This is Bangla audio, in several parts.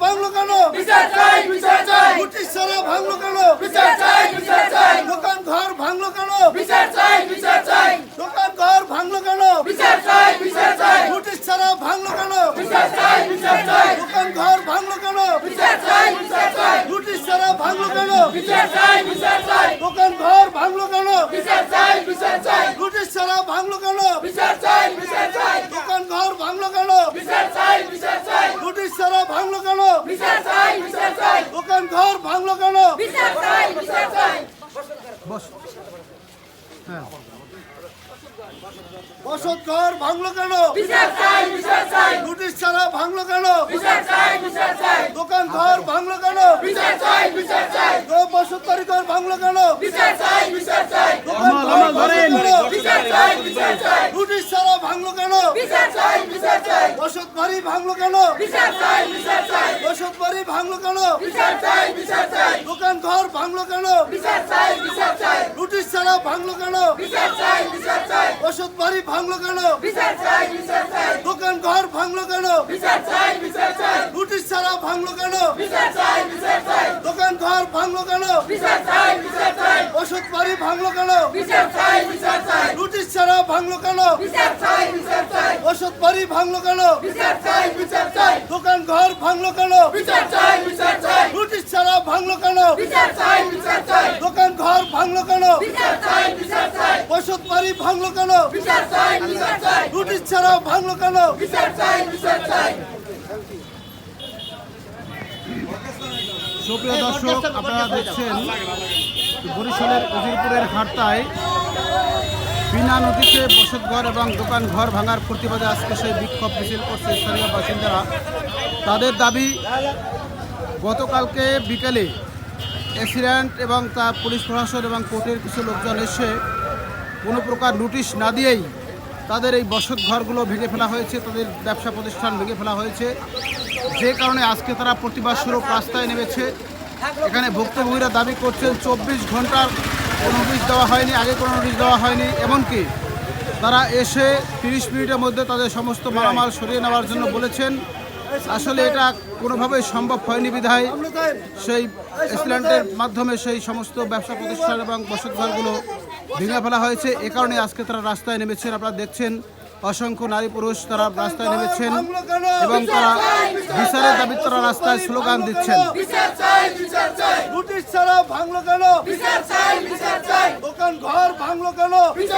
ভাঙলো কেন? ব্রিটিশ ছাড়া ভাঙলো কেন? দোকান ঘর ভাঙলো কেন? দোকান ঘর ভাঙলো কেন? ব্রিটিশ ছাড়া ভাঙলো কেন? দোকান ঘর ভাঙলো কেন? ব্রিটিশ ছাড়া ভাঙলো কেন? দোকান ঘর ভাঙলো কেন? ব্রিটিশ ছাড়া ভাঙলো কেন? দোকান ঘর ভাঙলো কেন? ব্রিটিশ ছাড়া ভাঙলো কেন? দোকান ঘর ভাঙলো কেন? বসত ঘর ভাঙলো কেন? ব্রিটিশ ছাড়া ভাঙলো কেন? দোকান ঘর ভাঙলো কেন? বসতবাড়ি ঘর ভাঙলো কেন? দোকান ঘর ভাঙলো কেন? ব্রিটিশ ছাড়া ভাঙলো কেন? বসতবাড়ি ভাঙলো কেন? বসতবাড়ি ভাঙলো কেন? দোকান ঘর ভাঙলো কেন? ব্রিটিশ ছাড়া ভাঙলো কেন? বসতবাড়ি ভাঙলো কেন? দোকান ঘর ভাঙলো কেন? ব্রিটিশ ছাড়া ভাঙলো কেন? দোকান ঘর ভাঙলো কেন? বসতবাড়ি ভাঙলো কেন? ব্রিটিশ ছাড়া ভাঙলো কেন? বসতবাড়ি ভাঙলো কেন? দোকান ঘর ভাঙলো কেন? ব্রিটিশ ছাড়া ভাঙলো কেন? দোকান ঘর ভাঙলো কেন? বসতবাড়ি ভাঙলো কেন? ব্রিটিশ ছাড়া ভাঙলো কেন? সুপ্রিয় দর্শক, আপনারা দেখছেন বরিশালের উজিরপুরের হাট্টায় বিনা নোটিশে বসতঘর এবং দোকান ঘর ভাঙার প্রতিবাদে আজকে সেই বিক্ষোভ মিছিল করছে স্থানীয় বাসিন্দারা। তাদের দাবি, গতকালকে বিকেলে অ্যাক্সিডেন্ট এবং তার পুলিশ প্রশাসন এবং কোর্টের কিছু লোকজন এসে কোনো প্রকার নোটিশ না দিয়েই তাদের এই বসত ঘরগুলো ভেঙে ফেলা হয়েছে, তাদের ব্যবসা প্রতিষ্ঠান ভেঙে ফেলা হয়েছে, যে কারণে আজকে তারা প্রতিবাদ স্বরূপ রাস্তায় নেমেছে। এখানে ভুক্তভোগীরা দাবি করছেন 24 ঘন্টার কোনো নোটিশ দেওয়া হয়নি, আগে কোনো নোটিশ দেওয়া হয়নি, এমনকি তারা এসে 30 মিনিটের মধ্যে তাদের সমস্ত মালামাল সরিয়ে নেওয়ার জন্য বলেছেন। আসলে এটা কোনোভাবেই সম্ভব হয়নি বিধায় সেই অ্যাক্সিডেন্টের মাধ্যমে সেই সমস্ত ব্যবসা প্রতিষ্ঠান এবং বসতঘরগুলো ভেঙে ফেলা হয়েছে। এ কারণে আজকে তারা রাস্তায় নেমেছেন। আপনারা দেখছেন অসংখ্য নারী পুরুষ তারা রাস্তায় নেমেছেন এবং তারা বিচারের দাবি তারা রাস্তায় স্লোগান দিচ্ছেন। ব্রিটিশ ছাড়া ভাঙলো কেন? দোকান ঘর ভাঙলো কেন?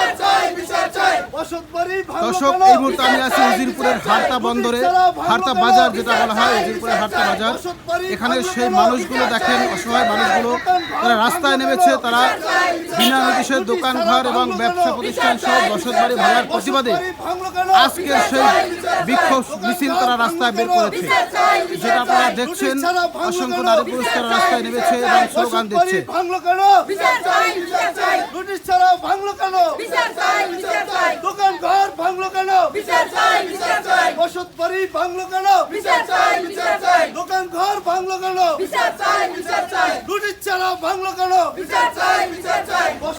বসতবাড়ি ভাঙলো দর্শক, কেন? এই মুহূর্তে আমি আছি উজিরপুরের হারতা বন্দরে, হারতা বাজার যেটা বলা হয়, উজিরপুরের হারতা বাজার। এখানে সেই মানুষগুলো দেখেন, অসহায় মানুষগুলো তারা রাস্তায় নেমেছে। তারা বিনা নোটিশে দোকান ঘর এবং ব্যবসা প্রতিষ্ঠান সহ বসতবাড়ি ভাঙার প্রতিবাদে আজকে সেই বিক্ষোভ মিছিল তারা রাস্তায় বের করেছে, যেটা আপনারা দেখছেন। অসংখ্য নারী পুরুষ তারা রাস্তায় নেমেছে এবং স্লোগান দিচ্ছে। ব্রিটিশ ছাড়া ভাঙলো কেন? দোকান ঘর ভাঙলো কেন? বসতবাড়ি ভাঙলো কেন? দোকান ঘর ভাঙলো কেন? ব্রিটিশ ছাড়া ভাঙলো কেন?